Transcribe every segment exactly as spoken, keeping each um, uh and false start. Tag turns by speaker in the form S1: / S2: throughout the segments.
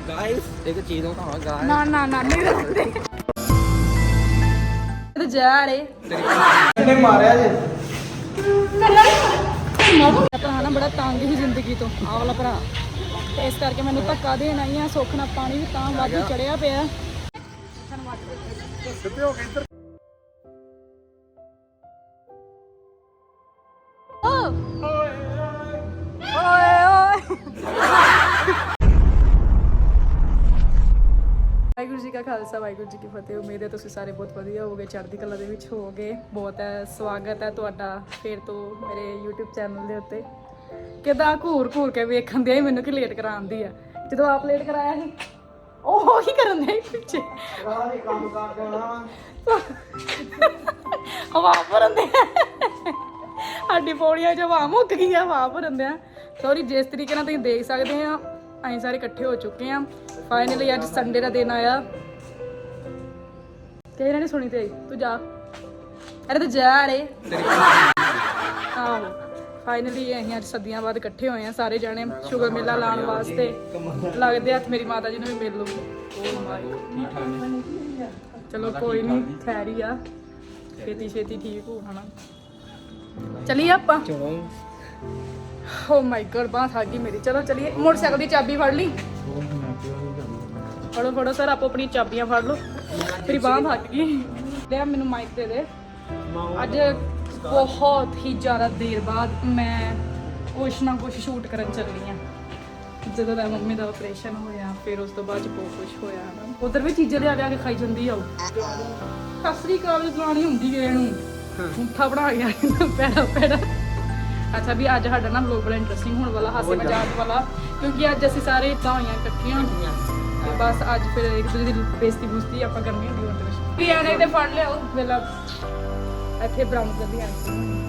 S1: Guys एक चीज बताओ गाइस
S2: ना ना ना नहीं रहते तो जा रे
S1: ने मारया जे
S2: ਭਰਾ ਨਾ ਬੜਾ ਤੰਗ ਹੀ ਜ਼ਿੰਦਗੀ ਤੋਂ ਆਹ ਵਾਲਾ ਭਰਾ ਤੇ ਇਸ ਕਰਕੇ ਮੈਨੂੰ ਧੱਕਾ ਦੇਣ ਆਈ ਆ ਸੁੱਖ ਨਾਲ ਪਾਣੀ ਵੀ ਤਾਂ ਵਾਧੂ ਚੜਿਆ ਪਿਆ
S1: ਸਿੱਧੇ ਹੋ ਕੇ ਇੱਧਰ
S2: ਓਏ ਓਏ ਵਾਹਿਗੁਰੂ ਜੀ ਕਾ ਖਾਲਸਾ ਵਾਹਿਗੁਰੂ ਜੀ ਕੀ ਫਤਿਹ। ਉਮੀਦ ਹੈ ਤੁਸੀਂ ਸਾਰੇ ਬਹੁਤ ਵਧੀਆ ਹੋਵੋਗੇ, ਚੜ੍ਹਦੀ ਕਲਾ ਦੇ ਵਿੱਚ ਹੋਵੋਗੇ। ਬਹੁਤ ਹੈ ਸਵਾਗਤ ਹੈ ਤੁਹਾਡਾ ਫਿਰ ਤੋਂ ਮੇਰੇ YouTube ਚੈਨਲ ਦੇ ਉੱਤੇ। ਕਿਦਾਂ ਘੂਰ ਘੂਰ ਕੇ ਵੇਖਣ ਦੇ ਮੈਨੂੰ ਕਿ ਲੇਟ ਕਰਾਉਂਦੀ ਆ। ਜਦੋਂ ਆਪ ਲੇਟ ਕਰਾਇਆ ਸੀ ਉਹ ਹੀ ਕਰਨ ਦੇ ਪਿੱਛੇ
S1: ਕੰਮ ਕਰ ਦੇਣਾ
S2: ਹਵਾ ਭਰਨ ਦੇ ਸਾਡੀ ਪੌੜੀਆਂ 'ਚ ਹਵਾ ਮੁੱਕ ਗਈ ਆ ਹਵਾ ਭਰਨ ਦੇ। ਸੌਰੀ, ਜਿਸ ਤਰੀਕੇ ਨਾਲ ਤੁਸੀਂ ਦੇਖ ਸਕਦੇ ਆ ਅਸੀਂ ਸਾਰੇ ਇਕੱਠੇ ਹੋ ਚੁੱਕੇ ਆ। ਫਾਈਨਲੀ ਅੱਜ ਸੰਡੇ ਦਾ ਦਿਨ ਆਇਆ। ਕਿਸੇ ਨੇ ਨਹੀਂ ਸੁਣੀ ਤੇ ਤੂੰ ਜਾ ਅਰੇ ਤੂੰ ਜਾ ਰੇ ਆਹੋ ਫਾਈਨਲੀ ਅਸੀਂ ਅੱਜ ਸਦੀਆਂ ਬਾਅਦ ਇਕੱਠੇ ਹੋਏ ਆ ਸਾਰੇ ਜਾਣੇ ਸ਼ੁਗਰ ਮੇਲਾ ਲਾਉਣ ਵਾਸਤੇ। ਲੱਗਦੇ ਹੱਥ ਮੇਰੀ ਮਾਤਾ ਜੀ ਨੂੰ ਵੀ ਮਿਲ ਲੂ। ਚਲੋ ਕੋਈ ਨਹੀਂ, ਖੈਰ ਹੀ ਆ, ਛੇਤੀ ਛੇਤੀ ਠੀਕ ਹੋ ਹਨਾ। ਚਲੀਏ ਆਪਾਂ। ਓ ਮਾਈ ਗॉड ਬਾਂਹ ਥੱਕ ਗਈ ਮੇਰੀ। ਚਲੋ ਚਲੀਏ। ਮੋਟਰਸਾਈਕਲ ਦੀ ਚਾਬੀ ਫੜ ਲਈ। ਫੜੋ ਫੜੋ ਸਰ, ਆਪੋ ਆਪਣੀ ਚਾਬੀਆਂ ਫੜ ਲਓ। ਮੇਰੀ ਬਾਂਹ ਥੱਕ ਗਈ। ਲੈ ਮੈਨੂੰ ਮਾਈਕ ਦੇ ਦੇ। ਅੱਜ ਬਹੁਤ ਹੀ ਜ਼ਿਆਦਾ ਦੇਰ ਬਾਅਦ ਮੈਂ ਕੁਛ ਨਾ ਕੁਛ ਸ਼ੂਟ ਕਰਨ ਚੱਲੀ ਆ। ਜਦੋਂ ਦਾ ਮੰਮੀ ਦਾ ਆਪਰੇਸ਼ਨ ਹੋਇਆ ਫਿਰ ਉਸ ਤੋਂ ਬਾਅਦ ਬਹੁਤ ਕੁਛ ਹੋਇਆ ਨਾ। ਉਧਰ ਵੀ ਚੀਜ਼ਾਂ ਲਿਆ ਲਿਆ ਕੇ ਖਾਈ ਜਾਂਦੀ ਆ। ਸਤਿ ਸ੍ਰੀ ਅਕਾਲ ਜਵਾਨੀ ਹੁੰਦੀ ਗਏ ਨੂੰ ਮੁੱਠਾ ਬਣਾ ਗਿਆ ਪੈੜਾ ਪੈੜਾ। ਅੱਛਾ ਵੀ ਅੱਜ ਸਾਡਾ ਨਾ ਵਲੋਗ ਬੜਾ ਇੰਟਰਸਟਿੰਗ ਹੋਣ ਵਾਲਾ, ਹਾਸੇ ਮਜ਼ਾਕ ਵਾਲਾ, ਕਿਉਂਕਿ ਅੱਜ ਅਸੀਂ ਸਾਰੇ ਇੱਦਾਂ ਹੋਈਆਂ ਇਕੱਠੀਆਂ ਹੁੰਦੀਆਂ ਤੇ ਬਸ ਅੱਜ ਫਿਰ ਇੱਕ ਦੂਜੇ ਦੀ ਬੇਇੱਜ਼ਤੀ ਬੁਸਤੀ ਆਪਾਂ ਕਰਨੀ ਹੁੰਦੀ ਉਹਦੇ ਵਿੱਚ। ਵੀ ਆਣੇ ਤੇ ਫੜ ਲਿਆਓ ਵੇਲਾ ਇੱਥੇ ਬਰਾਊਨ ਕਰਦੀ ਆਂ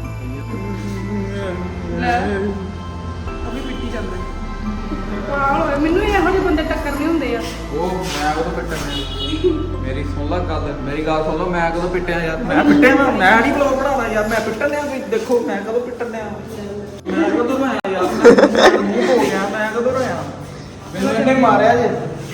S2: ਲੈ ਉਹ ਵੀ ਪਿੱਟੀ ਜਾਂਦੇ ਆ। ਮੈਨੂੰ ਇਹੋ ਜਿਹੇ ਬੰਦੇ ਟੱਕਰਨੇ ਹੁੰਦੇ ਆ।
S1: ਉਹ ਮੈਂ ਕਦੋਂ ਪਿੱਟਣਾ? ਮੇਰੀ ਸੁਣ ਲਾ ਗੱਲ, ਮੇਰੀ ਗੱਲ ਸੁਣ ਲਓ। ਮੈਂ ਕਦੋਂ ਪਿੱਟਿਆ ਯਾਰ? ਮੈਂ ਪਿੱਟਿਆ ਮੈਂ ਮੈਂ ਨਹੀਂ ਬਲੌਗ ਬਣਾਉਣਾ ਯਾਰ। ਮੈਂ ਪਿੱਟਣ ਲਿਆ ਕੋਈ ਦੇਖੋ ਮੈਂ ਕਦੋਂ ਪਿੱਟਣ ਲਿਆ? ਮੈਂ ਕਦੋਂ ਰੋਇਆ ਯਾਰ? ਮੈਂ ਮੂੰਹ ਹੋ ਗਿਆ। ਮੈਂ ਕਦੋਂ ਰੋਇਆ? ਮੈਨੂੰ ਇਹਨੇ ਮਾਰਿਆ ਜੇ।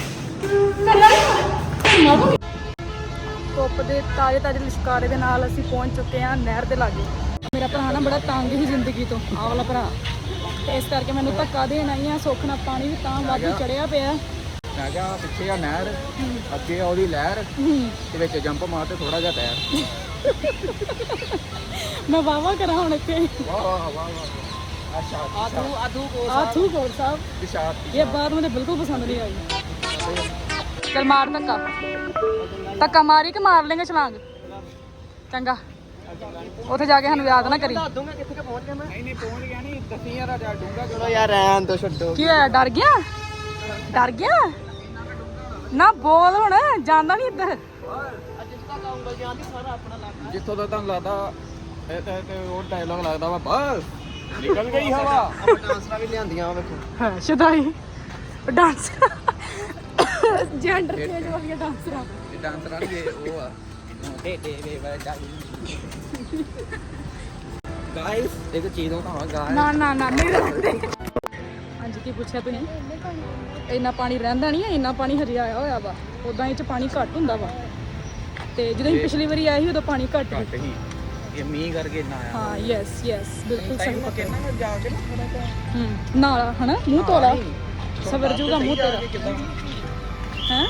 S2: ਧੁੱਪ ਦੇ ਤਾਜ਼ੇ ਤਾਜ਼ੇ ਲਿਸ਼ਕਾਰੇ ਦੇ ਨਾਲ ਅਸੀਂ ਪਹੁੰਚ ਚੁੱਕੇ ਹਾਂ ਨਹਿਰ ਦੇ ਲਾਗੇ। ਮੇਰਾ ਭਰਾ ਨਾ ਬੜਾ ਤੰਗ ਹੀ ਜ਼ਿੰਦਗੀ ਤੋਂ ਆਹ ਵਾਲਾ ਭਰਾ ਤੇ ਇਸ ਕਰਕੇ ਮੈਨੂੰ ਧੱਕਾ ਦੇਣ ਆਈ ਆ ਸੁੱਖ ਨਾਲ ਪਾਣੀ ਵੀ ਤਾਂ ਵਾਧੂ ਚੜਿਆ ਪਿਆ।
S1: ਮੈਂ ਕਿਹਾ ਪਿੱਛੇ ਆ ਨਹਿਰ, ਅੱਗੇ ਆ ਉਹਦੀ ਲਹਿਰ ਤੇ ਵਿੱਚ ਜੰਪ ਮਾਰ ਤੇ ਥੋੜਾ ਜਿਹਾ ਟਾਇਰ।
S2: ਮੈਂ ਵਾਵਾ ਕਰਾਂ ਹੁਣ ਇੱਥੇ।
S1: ਵਾਹ ਵਾਹ ਵਾਹ ਵਾਹ। ਅੱਛਾ ਆਧੂ ਆਧੂ ਕੋ
S2: ਆਥੂ ਕੋਲ ਸਾਹਿਬ
S1: ਵਿਸ਼ਾਦ
S2: ਇਹ ਬਾਤ ਮੈਨੂੰ ਬਿਲਕੁਲ ਪਸੰਦ ਨਹੀਂ ਆਈ। ਚਲ ਮਾਰ ਧੱਕਾ ਧੱਕਾ ਮਾਰੀ ਕਿ ਮਾਰ ਲੇਂਗੇ ਛਲਾਂਗ। ਚੰਗਾ ਉੱਥੇ ਜਾ ਕੇ ਸਾਨੂੰ ਯਾਦ ਨਾ ਕਰੀ।
S1: ਦੱਸ ਦੂੰਗਾ ਕਿੱਥੇ ਪਹੁੰਚ ਗਿਆ ਮੈਂ। ਨਹੀਂ ਨਹੀਂ ਪਹੁੰਚ ਗਿਆ ਨਹੀਂ, ਦੱਸੀ ਯਾਰ ਜਾ ਡੂੰਗਾ ਚਲੋ ਯਾਰ ਰਹਿਣ ਦੋ ਛੱਡੋ।
S2: ਕੀ ਹੋਇਆ? ਡਰ ਗਿਆ ਡਰ ਗਿਆ ਨਾ ਬੋਲ ਹੁਣ, ਜਾਂਦਾ ਨਹੀਂ ਇੱਧਰ।
S1: ਜਿੱਥੋਂ ਦਾ ਤੁਹਾਨੂੰ ਲੱਗਦਾ ਇਹ ਤੇ ਉਹ ਡਾਇਲੌਗ ਲੱਗਦਾ ਵਾ ਬਸ ਨਿਕਲ ਗਈ ਹਵਾ। ਆਪਾਂ ਡਾਂਸਰਾਂ ਵੀ ਲਿਆਂਦੀਆਂ ਵੇਖੋ।
S2: ਹਾਂ ਸ਼ਦਾਈ ਡਾਂਸ ਜੈਂਡਰ ਚੇਂਜ ਵਾਲੀਆਂ ਡਾਂਸਰਾਂ।
S1: ਇਹ ਡਾਂਸਰਾਂ ਨਹੀਂ ਉਹ ਆ ਦੇ ਦੇ ਦੇ ਵਾਲੀ ਗਾਇਸ ਇੱਕ ਚੀਜ਼ ਦਿਖਾਵਾਂ ਗਾਇਸ।
S2: ਨਾ ਨਾ ਨਾ ਨਹੀਂ ਰਹਿੰਦੇ। ਹਾਂਜੀ ਕੀ ਪੁੱਛਿਆ ਤੁਸੀਂ? ਇੰਨਾ ਪਾਣੀ ਰਹਿੰਦਾ ਨਹੀਂ ਹੈ, ਇੰਨਾ ਪਾਣੀ ਹਜੇ ਆਇਆ ਹੋਇਆ ਵਾ। ਉਦਾਂ ਇਹ ਚ ਪਾਣੀ ਘੱਟ ਹੁੰਦਾ ਵਾ ਤੇ ਜਦੋਂ ਅਸੀਂ ਪਿਛਲੀ ਵਾਰੀ ਆਏ ਸੀ ਉਦੋਂ ਪਾਣੀ ਘੱਟ ਸੀ।
S1: ਹੀ ਇਹ ਮੀਂਹ ਕਰਕੇ ਨਾ ਆਇਆ।
S2: ਹਾਂ ਯੈਸ ਯੈਸ ਬਿਲਕੁਲ ਸਹੀ ਪਤਾ।
S1: ਕਿੰਨਾ ਕੁ ਜਾ ਕੇ ਨਾ ਥੋੜਾ ਜਿਹਾ
S2: ਹੂੰ ਨਾਲ ਹਨਾ ਮੂੰਹ ਤੋਲਾ ਸਵਰ ਜੂਗਾ ਮੂੰਹ ਤੇਰਾ ਹੈ।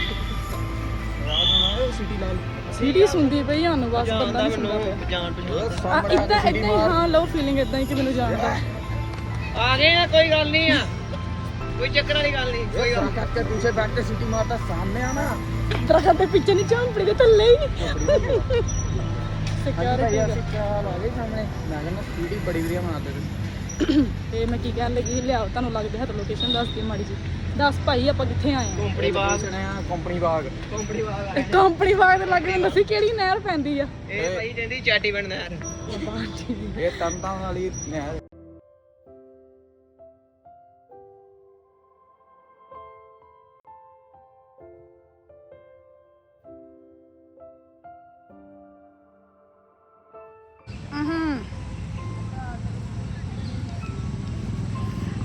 S1: ਸਿਟੀ ਲਾਲ
S2: ਸੀਡੀ ਸੁਣਦੀ ਪਈ ਸਾਨੂੰ ਬਸ ਬੰਦਾ ਨਹੀਂ ਸੁਣਦਾ ਪਿਆ।
S1: ਜਾਣ
S2: ਆ ਇੱਦਾਂ ਇੱਦਾਂ ਹੀ ਹਾਂ ਲਓ ਫੀਲਿੰਗ ਇੱਦਾਂ ਹੀ ਕਿ ਮੈਨੂੰ ਜਾਣਦਾ।
S3: ਆ ਗਏ ਆ, ਕੋਈ ਗੱਲ ਨਹੀਂ ਆ, ਕੋਈ ਚੱਕਰ ਵਾਲੀ ਗੱਲ ਨਹੀਂ।
S1: ਕੋਈ ਗੱਲ ਕਰਕੇ ਦੂਸਰੇ ਬੈਠ ਕੇ ਸਿਟੀ ਮਾਰਦਾ ਸਾਹਮਣੇ ਆ ਨਾ
S2: ਦਰਖਤ ਦੇ ਪਿੱਛੇ ਨਹੀਂ ਝਾਂਪੜੀ ਦੇ ਥੱਲੇ ਹੀ ਸਿਕਿਉਰਿਟੀ
S1: ਆ ਗਏ ਸਾਹਮਣੇ। ਮੈਂ ਕਹਿੰਦਾ ਸਿਟੀ ਬੜੀ ਵਧੀਆ ਬਣਾਉਂਦੇ ਤੁਸੀਂ।
S2: ਤੇ ਮੈਂ ਕੀ ਕਹਿਣ ਲੱਗੀ ਲਿਆਓ ਤੁਹਾਨੂੰ ਲੱਗਦੇ ਹੱਥ ਲੋਕੇਸ਼ਨ ਦੱਸ ਦੀ ਮਾੜੀ ਜੀ। ਦੱਸ ਭਾਈ ਆਪਾਂ ਕਿੱਥੇ ਆਏ ਆ?
S3: ਕੰਪਨੀ ਬਾਗ
S1: ਸੁਣਿਆ ਕੰਪਨੀ ਬਾਗ।
S3: ਕੰਪਨੀ ਬਾਗ ਆ
S2: ਕੰਪਨੀ ਬਾਗ ਦੇ ਲੱਗੇ ਦੱਸੀ ਕਿਹੜੀ ਨਹਿਰ ਪੈਂਦੀ ਆ?
S3: ਇਹ ਭਾਈ ਕਹਿੰਦੀ ਚਾਟੀ ਬਣਨਾ ਯਾਰ।
S1: ਇਹ ਤੰਤਾਂ ਵਾਲੀ ਨਹਿਰ।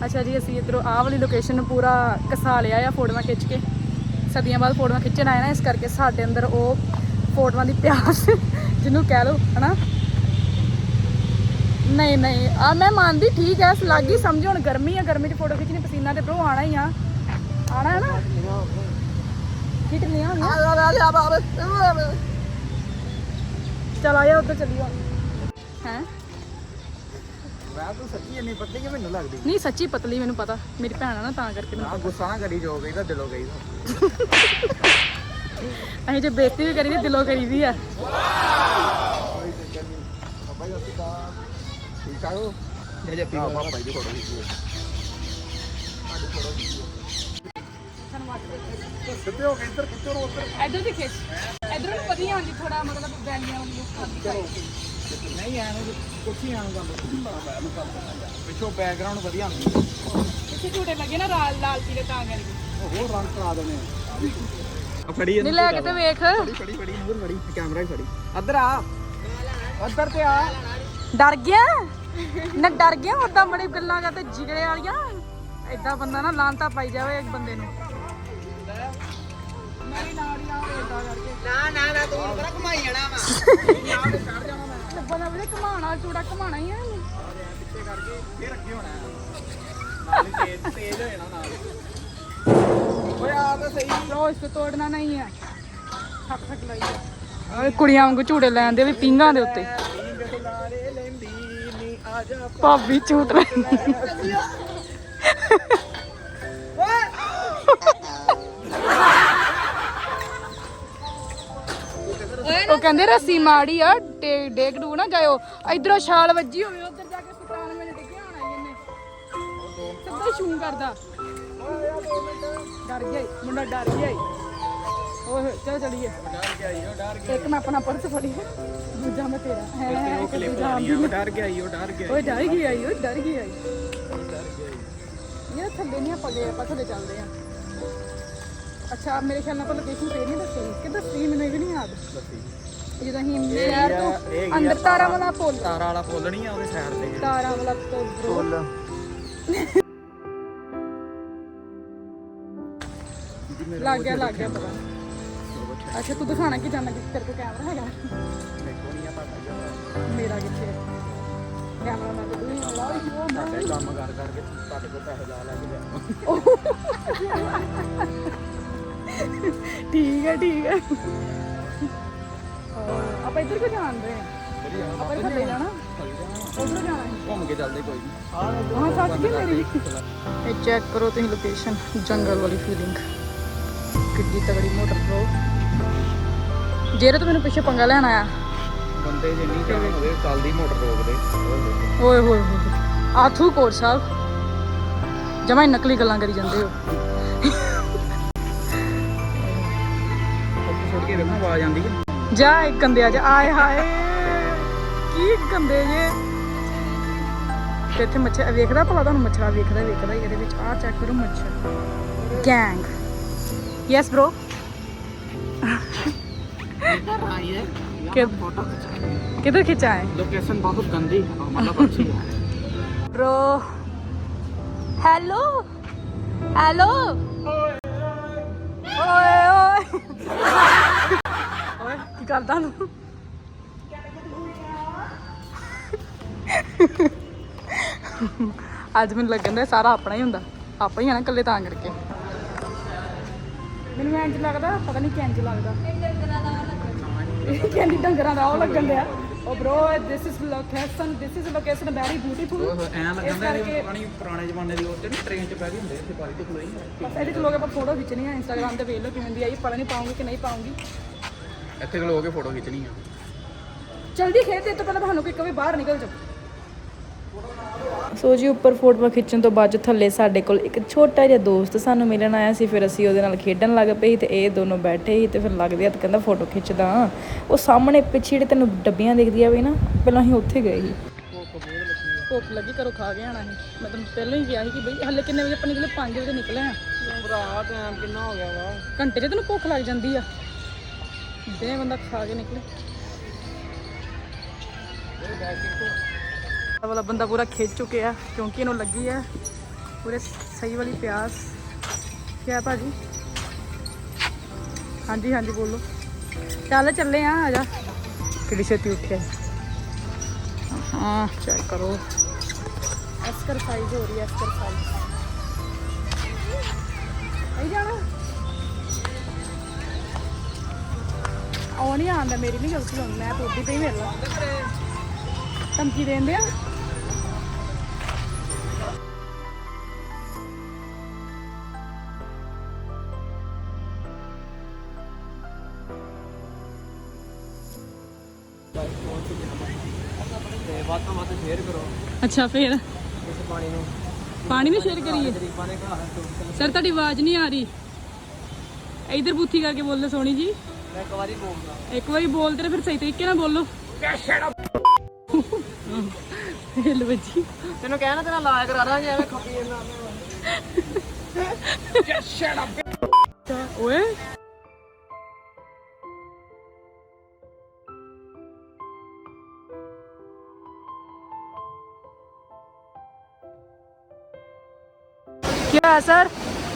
S2: ਅੱਛਾ ਜੀ ਅਸੀਂ ਇੱਧਰੋਂ ਆਹ ਵਾਲੀ ਲੋਕੇਸ਼ਨ ਨੂੰ ਪੂਰਾ ਕਸਾ ਲਿਆ ਆ ਫੋਟੋਆਂ ਖਿੱਚ ਕੇ। ਸਦੀਆਂ ਬਾਅਦ ਫੋਟੋਆਂ ਖਿੱਚਣ ਆਏ ਨਾ, ਇਸ ਕਰਕੇ ਸਾਡੇ ਅੰਦਰ ਉਹ ਫੋਟੋਆਂ ਦੀ ਪਿਆਸ ਜਿਹਨੂੰ ਕਹਿ ਲਓ ਹਨਾ। ਨਹੀਂ ਨਹੀਂ ਆ ਮੈਂ ਮੰਨਦੀ, ਠੀਕ ਹੈ ਲੱਗ ਹੀ ਸਮਝੋ। ਹੁਣ ਗਰਮੀ ਆ, ਗਰਮੀ 'ਚ ਫੋਟੋ ਖਿੱਚਣੀ ਪਸੀਨਾ ਤੇ ਬਰੋ ਆਣਾ ਹੀ ਆ, ਆਣਾ ਹੈ ਨਾ। ਖਿੱਚ ਲਿਆ ਚਲ ਆਇਆ ਉੱਧਰ ਚੱਲੀਏ ਹੈ।
S1: ਮੈਂ ਤਾਂ ਸੱਚੀ ਇੰਨੀ ਪਤਲੀ ਕਿ ਮੈਨੂੰ ਲੱਗਦੀ
S2: ਨਹੀਂ ਸੱਚੀ ਪਤਲੀ, ਮੈਨੂੰ ਪਤਾ ਮੇਰੀ ਭੈਣ ਆ ਨਾ ਤਾਂ ਕਰਕੇ ਮੈਨੂੰ
S1: ਨਾ। ਗੁੱਸਾ ਨਾ ਕਰੀ, ਜੋ ਗਈ ਤਾਂ ਦਿਲੋਂ ਗਈ ਤਾਂ।
S2: ਅਸੀਂ ਜੇ ਬੇਇੱਜ਼ਤੀ ਵੀ ਕਰੀ ਦੀ ਦਿਲੋਂ ਕਰੀਦੀ ਆ।
S1: ਠੀਕ ਠਾਕ ਹੋ ਜੇ ਜੱਪੀ ਪਾਪਾ ਜੀ ਫੋਟੋ ਖਿੱਚੀ ਸਿੱਧੇ ਹੋ ਕੇ ਇੱਧਰ ਖਿੱਚੋ ਉੱਧਰ
S2: ਇੱਧਰ ਦੀ ਖਿੱਚ, ਇੱਧਰੋਂ ਵਧੀਆ ਆਉਂਦੀ ਥੋੜਾ ਮਤਲਬ ਵੈਲੀਆਂ ਵਾਲੀ ਲੁੱਕ ਆਉਂਦੀ।
S1: ਨਹੀਂ ਐਨੂੰ ਕੁਛ ਹੀ ਆਣ ਗੱਲ ਪਿੱਛੋਂ ਬੈਕਗ੍ਰਾਉਂਡ ਵਧੀਆ ਹੁੰਦੀ।
S2: ਪਿੱਛੇ ਝੂਟੇ ਲੱਗੇ ਨਾ ਲਾਲ ਲਾਲ ਪੀਲੇ ਤਾਂ ਕਰਕੇ
S1: ਹੋਰ ਰੰਗ ਕਰਾ ਦੇਣੇ ਆ। ਫੜੀ
S2: ਨਹੀਂ ਲੈ ਕੇ ਤੇ ਵੇਖ।
S1: ਫੜੀ ਫੜੀ ਫੜੀ ਨੂਰ ਫੜੀ ਕੈਮਰਾ ਹੀ ਫੜੀ। ਇੱਧਰ ਆ, ਇੱਧਰ ਤੇ ਆ।
S2: ਡਰ ਗਿਆ ਨਾ, ਡਰ ਗਿਆ ਉਦਾਂ ਬੜੀ ਗੱਲਾਂ ਕਰਦੇ ਜਿਗੜੇ ਵਾਲੀਆਂ। ਏਦਾਂ ਬੰਦਾ ਨਾ ਲਾਂਤਾ ਪਾਈ ਜਾਵੇ ਇੱਕ ਬੰਦੇ ਨੂੰ। ਮੇਰੀ ਨਾੜੀਆਂ ਏਦਾਂ ਕਰਕੇ
S3: ਨਾ ਨਾ ਨਾ ਤੂੰ ਬੜਾ ਘੁਮਾਈ ਜਾਣਾ ਵਾ।
S2: ਬੰਦਾ ਵੀ ਘਮਾਣਾ, ਚੂੜਾ ਘਮਾਣਾ ਹੀ ਆ।
S1: ਪਿੱਛੇ ਕਰਕੇ ਫੇਰ ਅੱਗੇ ਹੋਣਾ ਨਾਲ ਤੇਜ਼ ਤੇਜ਼ ਹੋ ਜਾਣਾ ਨਾਲ। ਓਏ ਆ ਤਾਂ ਸਹੀ।
S2: ਲੋ ਇਸ ਤੋਂ ਤੋੜਨਾ ਨਹੀਂ ਹੈ। ਠੱਕ ਠੱਕ ਲਾਈ ਓਏ ਕੁੜੀਆਂ ਵਾਂਗੂ ਝੂੜੇ ਲੈਂਦੇ ਵੀ ਪਿੰਗਾਂ ਦੇ ਉੱਤੇ। ਭਾਬੀ ਝੂਟ ਲੈਂਦੀ। ਉਹ ਕਹਿੰਦੇ ਰੱਸੀ ਮਾੜੀ ਆ, ਡੇਗ ਡੂ ਨਾ ਜਾਇਓ। ਇਧਰੋਂ ਛਾਲ ਵੱਜੀ ਹੋਵੇ, ਉਧਰ ਜਾ ਕੇ ਸਤਾਨ ਮੈਨੂੰ ਡਿੱਗਿਆ ਹੋਣਾ ਇਹਨੇ। ਸਿੱਧਾ ਛੂੰ ਕਰਦਾ। ਡਰ ਗਿਆ ਈ, ਮੁੰਡਾ ਡਰ ਗਿਆ ਈ। ਓਏ ਚਲੋ ਚਲੀਏ।
S1: ਡਰ ਗਿਆ ਈ, ਉਹ ਡਰ ਗਿਆ।
S2: ਇੱਕ ਮੈਂ ਆਪਣਾ ਪਰਸ ਫੜੀ, ਦੂਜਾ ਮੈਂ ਤੇਰਾ ਹੈ।
S1: ਉਹ ਕਲਿੱਪ ਲਾ ਰਹੀ ਆ, ਉਹ ਡਰ ਗਿਆ ਈ, ਉਹ ਡਰ ਗਿਆ।
S2: ਓਏ ਡਰ ਗਿਆ ਈ, ਓਏ ਡਰ ਗਿਆ ਈ। ਇਹ ਥੱਲੇ ਨਹੀਂ ਆਪਾਂ ਗਏ, ਆਪਾਂ ਥੱਲੇ ਚੱਲਦੇ ਆ। ਅੱਛਾ ਮੇਰੇ ਖਿਆਲ ਨਾਲ ਆਪਾਂ ਲੋਕੇਸ਼ਨ ਫੇਰ ਨਹੀਂ ਦੱਸੀ ਕਿ ਦੱਸੀ, ਮੈਨੂੰ ਇਹ ਵੀ ਨਹੀਂ ਯਾਦ। ਜਦੋਂ ਅਸੀਂ ਨਹਿਰ ਤੋਂ ਅੰਦਰ ਤਾਰਾਂ ਵਾਲਾ ਪੁੱਲ,
S1: ਤਾਰਾਂ ਵਾਲਾ ਪੁੱਲ ਨਹੀਂ ਆ ਉਹਦੇ ਸਾਈਡ ਤੇ।
S2: ਤਾਰਾਂ ਵਾਲਾ ਪੁੱਲ
S1: ਪੁੱਲ
S2: ਲੱਗ ਗਿਆ ਲੱਗ ਗਿਆ ਪਤਾ। ਅੱਛਾ ਤੂੰ ਦਿਖਾਣਾ ਕਿ ਜਾਣਾ ਕਿ ਤੇਰੇ ਕੋਲ ਕੈਮਰਾ ਹੈਗਾ?
S1: ਦੇਖੋ ਨਹੀਂ ਆ ਤੁਹਾਡਾ
S2: ਮੇਰਾ ਕਿੱਥੇ ਕੈਮਰਾ? ਮੈਂ ਤਾਂ ਨਹੀਂ ਆਉਂਦਾ ਉਹ
S1: ਸਾਡੇ ਕੰਮ ਕਰ ਕਰਕੇ ਤੁਹਾਡੇ ਕੋਲ ਪੈਸੇ ਲਾ ਲੈ ਕੇ ਲਿਆ।
S2: ਠੀਕ ਹੈ ਠੀਕ ਹੈ। ਆਪਾਂ ਇੱਧਰ ਕਿਉਂ ਜਾਂਦੇ ਆ? ਆਪਾਂ ਥੱਲੇ ਜਾਣਾ, ਉਧਰ ਜਾਣਾ।
S1: ਘੁੰਮ ਕੇ ਚੱਲਦੇ ਕੋਈ ਨਹੀਂ।
S2: ਹਾਂ ਸੱਚ ਕੀ ਮੇਰੀ ਇਹ ਚੈੱਕ ਕਰੋ ਤੁਸੀਂ ਲੋਕੇਸ਼ਨ, ਜੰਗਲ ਵਾਲੀ ਫੀਲਿੰਗ, ਕਿੱਡੀ ਤਗੜੀ ਮੋਟਰ ਬ్రో। ਜਿਹੜੇ ਤੋਂ ਮੈਨੂੰ ਪਿੱਛੇ ਪੰਗਾ ਲੈਣ ਆਇਆ
S1: ਬੰਦੇ ਜੇ ਨਹੀਂ ਜਾਣ ਹੋਵੇ ਚੱਲਦੀ ਮੋਟਰ ਰੋਕਦੇ।
S2: ਓਏ ਹੋਏ ਹੋਏ ਆਥੂ ਕੋਟ ਸਾਹਿਬ ਜਮਾਂ ਹੀ ਨਕਲੀ ਗੱਲਾਂ ਕਰੀ ਜਾਂਦੇ ਹੋ।
S1: ਛੋੜ ਕੇ ਵੇਖੋ ਆਵਾਜ਼ ਆਉਂਦੀ ਹੈ।
S2: ਜਾ ਇੱਕ ਗੰਦੇ ਆ ਜਾ, ਆਏ ਹਾਏ ਕੀ ਗੰਦੇ ਜੇ। ਤੇ ਇੱਥੇ ਮੱਛਰ ਵੇਖਦਾ ਭਲਾ ਤੁਹਾਨੂੰ? ਮੱਛਰਾ ਵੇਖਦਾ ਵੇਖਦਾ ਹੀ ਇਹਦੇ ਵਿੱਚ। ਆਹ ਚੈੱਕ ਕਰੋ ਮੱਛਰ ਗੈਂਗ। Yes bro. किधर खिंचा है?
S1: लोकेशन बहुत गंदी है, मतलब अच्छी है
S2: ब्रो। हेलो हेलो ओए ओए ओए की करदा तू? ਅੱਜ ਮੈਨੂੰ ਲੱਗਣ ਦਾ ਸਾਰਾ ਆਪਣਾ ਹੀ ਹੁੰਦਾ, ਆਪਾਂ ਹੀ ਆ ਨਾ ਇਕੱਲੇ ਤਾਂ ਕਰਕੇ। ਮੈਨੂੰ ਇੰਜ ਲੱਗਦਾ, ਪਤਾ ਨਹੀਂ ਕਿੰਜ ਲੱਗਦਾ। ਕਹਿੰਦੀ ਡੰਗਰਾਂ ਦਾ ਉਹ ਲੱਗਣ ਦਿਆ। ਉਹ bro this is location, this is location very beautiful.
S1: ਐਂ ਲੱਗਦਾ ਕਿ ਪਾਣੀ ਪੁਰਾਣੇ ਜ਼ਮਾਨੇ ਦੀ ਉਹ ਤੇ ਟ੍ਰੇਨ 'ਚ ਬਹਿ ਗਏ ਹੁੰਦੇ ਇੱਥੇ ਬਾਰੀ ਤੇ ਖਲੋਈ।
S2: ਬਸ ਇਹਦੇ ਚ ਲੋਕ ਆਪਾਂ ਫੋਟੋ ਖਿੱਚਣੀ ਆ ਇੰਸਟਾਗ੍ਰਾਮ ਤੇ, ਵੇਖ ਲਓ ਕਿਵੇਂ ਦੀ ਆਈ। ਪਤਾ ਨਹੀਂ ਪਾਉਂਗੀ ਕਿ ਨਹੀਂ ਪਾਉਂਗੀ।
S1: ਇੱਥੇ ਖਲੋ ਕੇ ਫੋਟੋ ਖਿੱਚਣੀ ਆ।
S2: ਜਲਦੀ ਖੇਡ ਦੇ ਤੋਂ ਪਹਿਲਾਂ ਤੁਹਾਨੂੰ ਕੋਈ ਕਵੇ ਬਾਹਰ ਨਿਕਲ ਜਾਓ। ਸੋ ਜੀ ਉੱਪਰ ਫੋਟੋਆਂ ਖਿੱਚਣ ਤੋਂ ਬਾਅਦ ਥੱਲੇ ਸਾਡੇ ਕੋਲ ਇੱਕ ਛੋਟਾ ਜਿਹਾ ਦੋਸਤ ਸਾਨੂੰ ਮਿਲਣ ਆਇਆ ਸੀ। ਫਿਰ ਅਸੀਂ ਉਹਦੇ ਨਾਲ ਖੇਡਣ ਲੱਗ ਪਏ ਸੀ ਤੇ ਇਹ ਦੋਨੋਂ ਬੈਠੇ ਸੀ ਤੇ ਫਿਰ ਲੱਗਦੇ ਹੱਥ ਕਹਿੰਦਾ ਫੋਟੋ ਖਿੱਚਦਾ। ਉਹ ਸਾਹਮਣੇ ਪਿੱਛੇ ਜਿਹੜੇ ਤੈਨੂੰ ਡੱਬੀਆਂ ਦਿਖਦੀਆਂ ਵੀ ਨਾ, ਪਹਿਲਾਂ ਅਸੀਂ ਉੱਥੇ ਗਏ ਸੀ। ਭੁੱਖ ਲੱਗੀ ਘਰੋਂ ਖਾ ਕੇ ਆਣਾ ਸੀ। ਮੈਂ ਤੁਹਾਨੂੰ ਪਹਿਲਾਂ ਹੀ ਕਿਹਾ ਸੀ ਕਿ ਬਈ ਹਲੇ ਕਿੰਨੇ ਵਜੇ ਆਪਾਂ ਨਿਕਲੇ? ਪੰਜ ਵਜੇ ਨਿਕਲੇ ਆ।
S3: ਭਰਾ ਟਾਈਮ ਕਿੰਨਾ ਹੋ ਗਿਆ ਵਾ?
S2: ਘੰਟੇ 'ਚ ਤੈਨੂੰ ਭੁੱਖ ਲੱਗ ਜਾਂਦੀ ਆ। ਦੇ ਬੰਦਾ ਖਾ ਕੇ ਨਿਕਲੇ। ਵਾਲਾ ਬੰਦਾ ਪੂਰਾ ਖਿੱਚ ਚੁੱਕਿਆ ਕਿਉਂਕਿ ਇਹਨੂੰ ਲੱਗੀ ਆ पूरे सही वाली प्याज। क्या है भाजी? हाँ जी हाँ जी बोलो। चल चले हाँ आ जा कि छेती उठे। हाँ चेक करो एक्सरसाइज हो रही है एक्सरसाइज। नहीं जाना ਉਹ ਨਹੀਂ ਆਉਂਦਾ ਮੇਰੀ ਨਹੀਂ ਗਲਤੀ ਹੁਣ ਮੈਂ ਤੋਦੀ ਪਈ ਮੇਰੇ ਨਾਲ ਧਮਕੀ ਦੇਂਦੇ ਆ। ਅੱਛਾ ਫਿਰ ਪਾਣੀ ਨੂੰ ਸ਼ੇਅਰ ਕਰੀਏ ਸਰ ਤੁਹਾਡੀ ਆਵਾਜ਼ ਨਹੀਂ ਆ ਰਹੀ ਇਧਰ ਬੂਥੀ ਕਰਕੇ ਬੋਲੋ ਸੋਣੀ ਜੀ।
S3: ਮੈਂ ਇੱਕ ਵਾਰੀ ਬੋਲਦਾ
S2: ਇੱਕ ਵਾਰੀ ਬੋਲਦੇ ਤੇ ਫਿਰ ਸਹੀ ਤਰੀਕੇ ਨਾਲ ਬੋਲੋ। ਹਿੱਲ ਵੱਜੀ
S3: ਤੈਨੂੰ ਕਹਿਣਾ ਤੇਰਾ ਇਲਾਜ ਕਰਾ ਦਾਂਗੇ ਐਵੇਂ ਖੱਪੀ ਜਾਂਦਾ
S2: ਓਏ क्या है सर?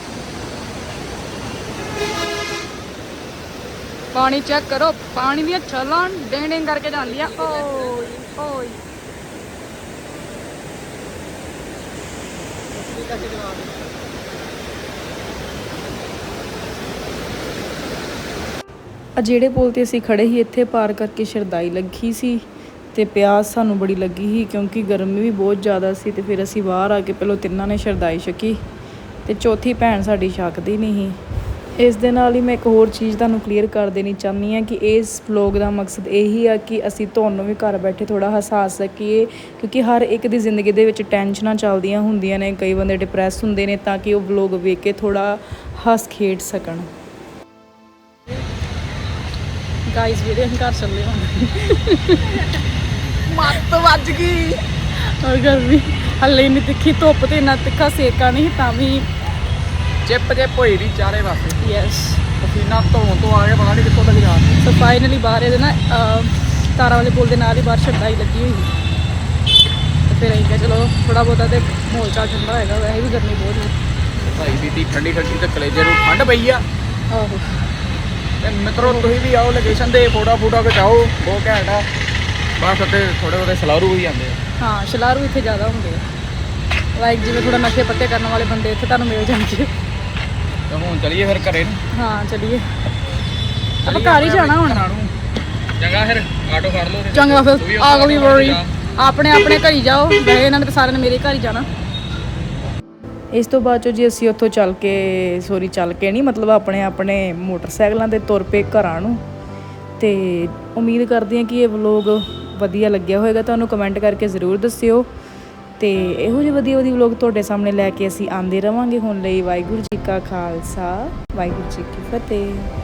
S2: पानी चेक करो पानी भी छलां डेंग डेंग करके जान लिया। ओए ओए ਜਿਹੜੇ ਪੁਲ ਤੇ ਅਸੀਂ ਖੜੇ ਸੀ ਇੱਥੇ ਪਾਰ ਕਰਕੇ ਸ਼ਰਦਾਈ ਲੱਗੀ ਸੀ ਤੇ ਪਿਆਸ ਸਾਨੂੰ ਬੜੀ ਲੱਗੀ ਸੀ ਕਿਉਂਕਿ ਗਰਮੀ ਵੀ ਬਹੁਤ ਜ਼ਿਆਦਾ ਸੀ ਤੇ ਫਿਰ ਅਸੀਂ ਬਾਹਰ ਆ ਕੇ ਪਹਿਲਾਂ ਤਿੰਨਾਂ ਨੇ ਸ਼ਰਦਾਈ ਛਕੀ ਤੇ ਚੌਥੀ ਭੈਣ ਸਾਡੀ ਛਕਦੀ ਨਹੀਂ ਸੀ। ਇਸ ਦੇ ਨਾਲ ਹੀ ਮੈਂ ਇੱਕ ਹੋਰ ਚੀਜ਼ ਤੁਹਾਨੂੰ ਕਲੀਅਰ ਕਰ ਦੇਣੀ ਚਾਹੁੰਦੀ ਹਾਂ ਕਿ ਇਸ ਵਲੋਗ ਦਾ ਮਕਸਦ ਇਹੀ ਆ ਕਿ ਅਸੀਂ ਤੁਹਾਨੂੰ ਵੀ ਘਰ ਬੈਠੇ ਥੋੜਾ ਹਸਾਸ ਸਕੀਏ ਕਿਉਂਕਿ ਹਰ ਇੱਕ ਦੀ ਜ਼ਿੰਦਗੀ ਦੇ ਵਿੱਚ ਟੈਨਸ਼ਨਾਂ ਚੱਲਦੀਆਂ ਹੁੰਦੀਆਂ ਨੇ ਕਈ ਬੰਦੇ ਡਿਪਰੈਸ ਹੁੰਦੇ ਨੇ ਤਾਂ ਕਿ ਉਹ ਵਲੋਗ ਵੇਖ ਕੇ ਥੋੜਾ ਹੱਸ ਖੇਡ ਸਕਣ। ਗਾਇਸ ਵੀਰੇ ਅਸੀਂ ਘਰ ਚੱਲੇ ਹਾਂ ਮੱਤ ਵੱਜ ਗਈ ਔਰ ਗਰਮੀ ਹੱਲੇ ਨਹੀਂ ਤਿੱਖੀ ਧੁੱਪ ਤੇ ਇੰਨਾ ਤਿੱਖਾ ਸੇਕਾ ਨਹੀਂ ਤਾਂ ਵੀ
S1: ਚਿੱਪ ਚਿੱਪ ਹੋਈ ਦੀ ਚਾਰੇ ਪਾਸੇ
S2: ਯੈਸ
S1: ਪਸੀਨਾ ਧੋਣ ਤੋਂ ਆ ਕੇ ਪਤਾ ਨਹੀਂ ਕਿੱਥੋਂ ਤੱਕ ਜਾ
S2: ਸੋ ਫਾਈਨਲੀ ਬਾਹਰ ਇਹਦੇ ਨਾ ਤਾਰਾਂ ਵਾਲੇ ਪੁਲ ਦੇ ਨਾਲ ਹੀ ਬਾਹਰ ਸ਼ਰਦਾਈ ਲੱਗੀ ਹੋਈ ਤੇ ਫਿਰ ਅਸੀਂ ਕਿਹਾ ਚਲੋ ਥੋੜਾ ਬਹੁਤਾ ਤੇ ਮਾਹੌਲ ਚਾਲ ਠੰਡਾ ਹੋਏਗਾ ਵੈਸੇ ਵੀ ਗਰਮੀ ਬਹੁਤ ਹੈ
S1: ਭਾਈ ਬੀਤੀ ਠੰਡੀ ਠੰਡੀ ਤੇ ਕਲੇਜੇ ਨੂੰ ਠੰਡ ਪਈ ਆ।
S2: ਆਹੋ
S1: ਤੇ ਮਿੱਤਰੋ ਤੁਸੀਂ ਵੀ ਆਓ ਲੋਕੇਸ਼ਨ ਤੇ ਫੋਟੋ ਫੋਟੋ ਖਿਚਾਓ ਬਹੁਤ ਘੈਂਟ ਆ ਬਸ ਉੱਤੇ ਥੋੜੇ ਬਹੁਤੇ ਸਲਾਰੂ ਵੀ ਜਾਂਦੇ ਆ।
S2: ਹਾਂ ਸ਼ਲਾਰੂ ਇੱਥੇ ਜ਼ਿਆਦਾ ਹੁੰਦੇ ਆ ਲਾਈਕ ਜਿਵੇਂ ਥੋੜਾ ਨਸ਼ੇ ਪੱਤੇ ਕਰਨ ਵਾਲੇ ਬੰਦੇ ਇੱਥੇ ਤੁਹਾਨੂੰ ਮਿਲ ਜਾਣਗੇ।
S1: ਤੇ ਹੁਣ ਚਲੀਏ ਫਿਰ ਘਰੇ ਨੂੰ।
S2: ਹਾਂ ਚਲੀਏ ਆਪਾਂ ਘਰ ਹੀ ਜਾਣਾ ਹੁਣ।
S1: ਚੰਗਾ ਫਿਰ ਆਟੋ ਫੜ ਲਓ
S2: ਚੰਗਾ ਫਿਰ ਅਗਲੀ ਵਾਰੀ ਆਪਣੇ ਆਪਣੇ ਘਰ ਹੀ ਜਾਓ ਵੈਸੇ ਇਹਨਾਂ ਨੇ ਤਾਂ ਸਾਰਿਆਂ ਨੇ ਮੇਰੇ ਘਰ ਹੀ ਜਾਣਾ। ਇਸ ਤੋਂ ਬਾਅਦ ਚੋਂ ਜੀ ਅਸੀਂ ਉੱਥੋਂ ਚੱਲ ਕੇ ਸੋਰੀ ਚੱਲ ਕੇ ਨਹੀਂ ਮਤਲਬ ਆਪਣੇ ਆਪਣੇ ਮੋਟਰਸਾਈਕਲਾਂ 'ਤੇ ਤੁਰ ਪਏ ਘਰਾਂ ਨੂੰ। ਤੇ ਉਮੀਦ ਕਰਦੀ ਹਾਂ ਕਿ ਇਹ ਵਲੋਗ ਵਧੀਆ ਲੱਗਿਆ ਹੋਵੇਗਾ ਤੁਹਾਨੂੰ ਕਮੈਂਟ ਕਰਕੇ ਜ਼ਰੂਰ ਦੱਸਿਓ ਤੇ ਇਹੋ ਜਿਹੇ ਵਧੀਆ ਵਧੀਆ ਵਲੋਗ ਤੁਹਾਡੇ ਸਾਹਮਣੇ ਲੈ ਕੇ ਅਸੀਂ ਆਉਂਦੇ ਰਵਾਂਗੇ। ਹੁਣ ਲਈ ਵਾਹਿਗੁਰੂ ਜੀ ਕਾ ਖਾਲਸਾ ਵਾਹਿਗੁਰੂ ਜੀ ਕੀ ਫਤਿਹ।